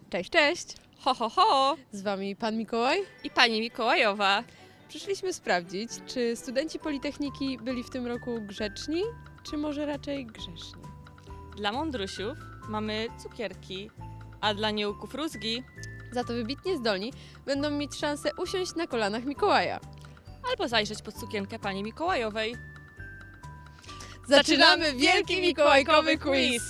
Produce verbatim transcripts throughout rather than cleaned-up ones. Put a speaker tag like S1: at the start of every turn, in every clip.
S1: Cześć, cześć!
S2: Ho, ho, ho!
S1: Z Wami Pan Mikołaj.
S2: I pani Mikołajowa.
S1: Przyszliśmy sprawdzić, czy studenci Politechniki byli w tym roku grzeczni, czy może raczej grzeszni.
S2: Dla mądrusiów mamy cukierki, a dla nieuków rózgi
S1: Za to wybitnie zdolni będą mieć szansę usiąść na kolanach Mikołaja.
S2: albo zajrzeć pod sukienkę pani Mikołajowej.
S1: Zaczynamy wielki mikołajkowy quiz!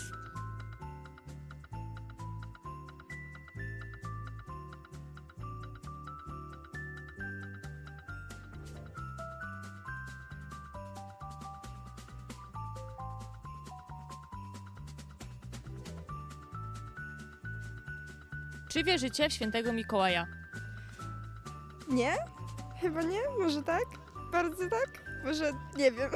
S2: Czy wierzycie w świętego Mikołaja?
S3: Nie? Chyba nie? Może tak? Bardzo tak? Może nie wiem.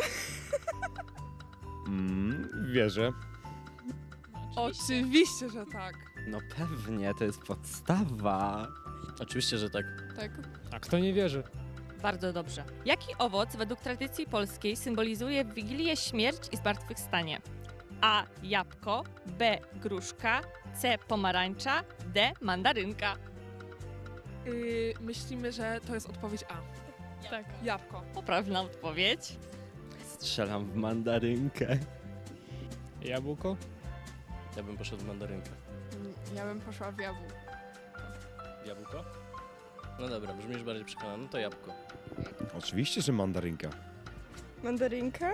S4: Mm, wierzę.
S5: Oczywiście, że tak.
S6: No pewnie, to jest podstawa.
S7: Oczywiście, że tak.
S1: Tak.
S5: A kto nie wierzy?
S2: Bardzo dobrze. Jaki owoc według tradycji polskiej symbolizuje w Wigilię śmierć i zmartwychwstanie? A. Jabłko, B. Gruszka, C. Pomarańcza, D. Mandarynka.
S5: Yy, myślimy, że to jest odpowiedź A.
S2: Tak.
S5: Jabłko.
S2: Poprawna odpowiedź.
S6: Strzelam w mandarynkę.
S5: Jabłko?
S7: Ja bym poszedł w mandarynkę.
S3: Ja bym poszła w jabłko.
S7: Jabłko? No dobra, brzmisz bardziej przekonany, no to jabłko.
S4: Oczywiście, że mandarynka.
S3: Mandarynka?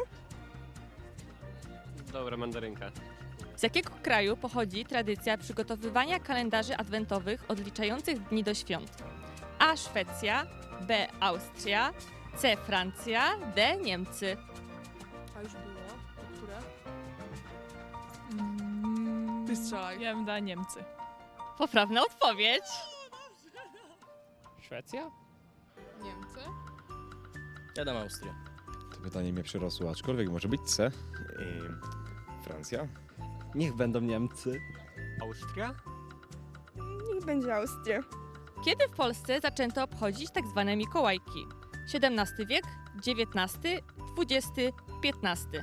S8: Dobra, mandarynka.
S2: Z jakiego kraju pochodzi tradycja przygotowywania kalendarzy adwentowych odliczających dni do świąt? A. Szwecja, B. Austria, C. Francja, D. Niemcy.
S5: A już było? To które?
S9: Mm,
S5: Ty strzelaj.
S9: Ja bym dała Niemcy.
S2: Poprawna odpowiedź.
S5: Szwecja?
S1: Niemcy?
S7: Ja dam Austrię.
S4: To pytanie mnie przerosło, aczkolwiek może być C. Yy, Francja?
S6: Niech będą Niemcy.
S8: Austria?
S3: Niech będzie Austria.
S2: Kiedy w Polsce zaczęto obchodzić tak zwane Mikołajki? siedemnasty wiek, dziewiętnasty, dwudziesty, piętnasty.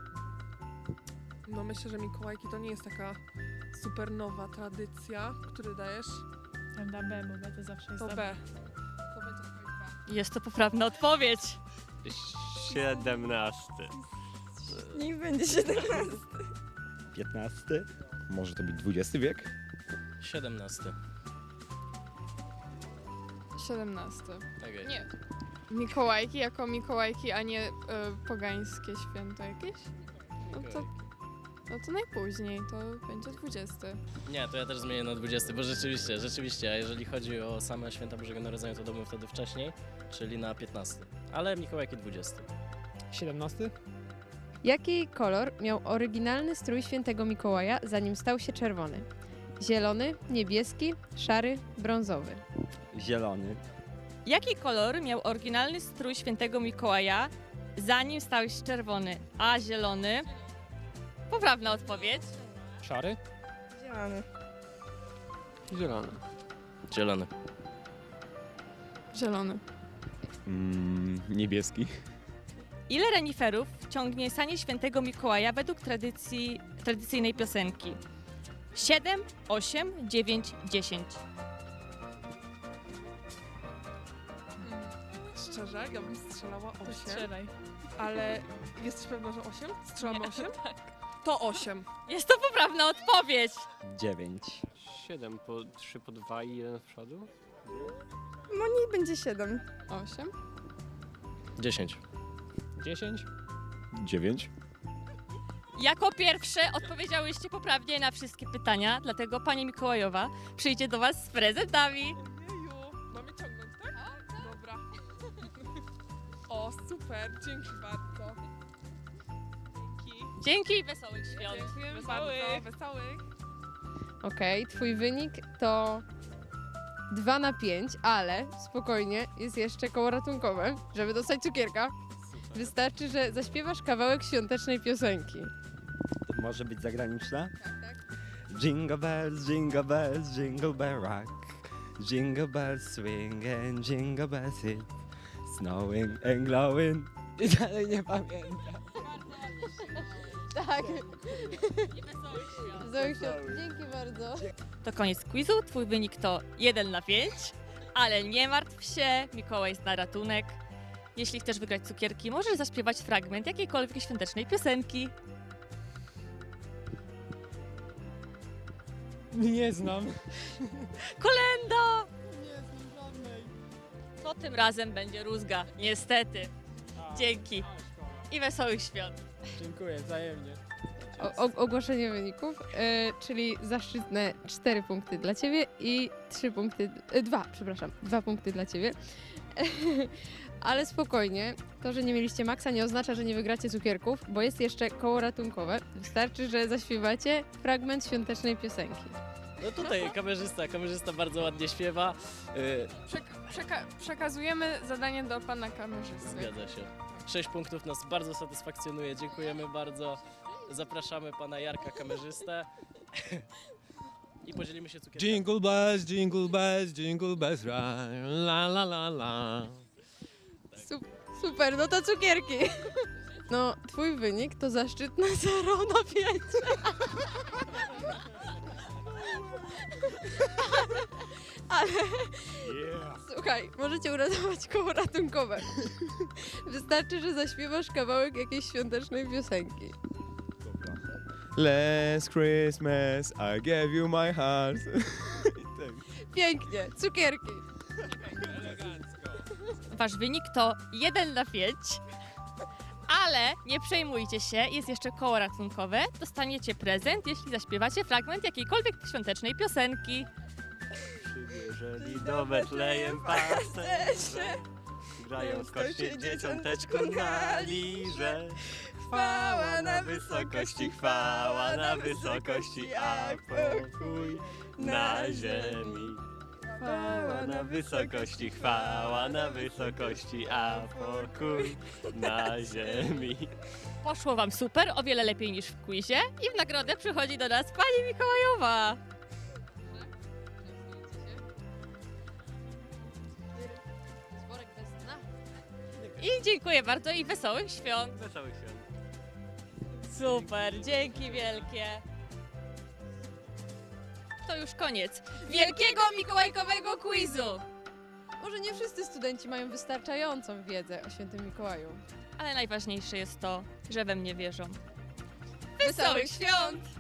S5: No myślę, że Mikołajki to nie jest taka super nowa tradycja. Który dajesz?
S9: Ja bym dała B, bo B to zawsze jest
S5: To
S9: dobre.
S5: B. To będzie odpowiedź B.
S2: Jest to poprawna odpowiedź.
S8: Siedemnasty.
S3: Niech będzie siedemnasty.
S6: piętnasty.
S4: Może to być dwudziesty wiek?
S7: siedemnasty.
S10: siedemnasty.
S7: Tak jest.
S10: Nie. Mikołajki jako Mikołajki, a nie y, pogańskie święto jakieś? No to, no to najpóźniej, to będzie dwudziesty.
S7: Nie, to ja też zmienię na dwudziesty, bo rzeczywiście, rzeczywiście, a jeżeli chodzi o same święta Bożego Narodzenia, to byłbym wtedy wcześniej, czyli na piętnasty. Ale Mikołajki dwudziesty.
S5: siedemnasty?
S1: Jaki kolor miał oryginalny strój świętego Mikołaja, zanim stał się czerwony? Zielony, niebieski, szary, brązowy.
S6: Zielony.
S2: Jaki kolor miał oryginalny strój świętego Mikołaja, zanim stał się czerwony? A. Zielony. Poprawna odpowiedź.
S5: Szary?
S3: Zielony.
S8: Zielony.
S7: Zielony.
S10: Zielony.
S4: Mm, niebieski.
S2: Ile reniferów ciągnie sanie świętego Mikołaja według tradycji, tradycyjnej piosenki? siedem, osiem, dziewięć, dziesięć.
S5: Szczerze, ja bym strzelała
S9: To
S5: osiem.
S9: strzelaj.
S5: Ale jesteś pewna, że osiem? Strzelamy osiem? To osiem.
S2: Jest to poprawna odpowiedź.
S6: dziewięć.
S8: Siedem po trzy po dwa i jeden w przodu.
S3: No niech będzie siedem.
S10: osiem.
S7: dziesięć.
S5: dziesięć?
S4: dziewięć.
S2: Jako pierwsze odpowiedziałyście poprawnie na wszystkie pytania, dlatego pani Mikołajowa przyjdzie do was z prezentami.
S5: Jeju. Mamy ciągnąć, tak? Dobra. O, super. Dzięki bardzo. Dzięki.
S2: Dzięki i wesołych świąt.
S5: Dziękujemy
S2: Wesołych.
S5: bardzo. Wesołych.
S1: Okej, twój wynik to dwa na pięć, ale spokojnie, jest jeszcze koło ratunkowe, żeby dostać cukierka. Wystarczy, że zaśpiewasz kawałek świątecznej piosenki.
S6: To może być zagraniczna? Jingle bells, jingle bells, jingle bell rock. Jingle bells swing and jingle bells hit. Snowing and glowing. I dalej nie pamiętam.
S1: Tak, Tak. Wesołych świąt. Dzięki bardzo.
S2: To koniec quizu. Twój wynik to jeden na pięć, ale nie martw się, Mikołaj jest na ratunek. Jeśli chcesz wygrać cukierki, możesz zaśpiewać fragment jakiejkolwiek świątecznej piosenki.
S6: Nie znam.
S2: Kolenda! To tym razem będzie rózga, niestety. Dzięki i wesołych świąt.
S6: Dziękuję, wzajemnie.
S1: O, o, ogłoszenie wyników, e, czyli zaszczytne cztery punkty dla Ciebie i trzy punkty, e, dwa, przepraszam, dwa punkty dla Ciebie. Ale spokojnie, to, że nie mieliście maksa nie oznacza, że nie wygracie cukierków, bo jest jeszcze koło ratunkowe. Wystarczy, że zaśpiewacie fragment świątecznej piosenki.
S7: No tutaj kamerzysta, kamerzysta bardzo ładnie śpiewa. Yy,
S10: Przeka- przeka- przekazujemy zadanie do pana kamerzysty.
S7: zgadza się. Sześć punktów nas bardzo satysfakcjonuje, dziękujemy bardzo. Zapraszamy pana Jarka kamerzystę. I podzielimy się cukierkami.
S6: Jingle bells, jingle bells, jingle bells, ride, la la la la.
S1: Sup- super, no to cukierki. No, twój wynik to zaszczytne zero na pięć. Ale, słuchaj, możecie uratować koło ratunkowe. Wystarczy, że zaśpiewasz kawałek jakiejś świątecznej piosenki.
S4: Last Christmas I gave you my heart.
S1: Pięknie, cukierki.
S2: Wasz wynik to jeden na pięć, ale nie przejmujcie się, jest jeszcze koło ratunkowe. Dostaniecie prezent, jeśli zaśpiewacie fragment jakiejkolwiek świątecznej piosenki.
S8: Przybierzeli do Betlejem pasterze, grają skocznie dzieciąteczku na lirze. Chwała na wysokości, chwała na wysokości, a pokój na ziemi. Chwała na wysokości, chwała na wysokości, a pokój na ziemi.
S2: Poszło wam super, o wiele lepiej niż w quizie i w nagrodę przychodzi do nas pani Mikołajowa. I dziękuję bardzo i wesołych świąt.
S8: Wesołych świąt.
S2: Super, dzięki wielkie. To już koniec wielkiego mikołajkowego quizu.
S1: Może nie wszyscy studenci mają wystarczającą wiedzę o świętym Mikołaju.
S2: Ale najważniejsze jest to, że we mnie wierzą. Wesołych świąt!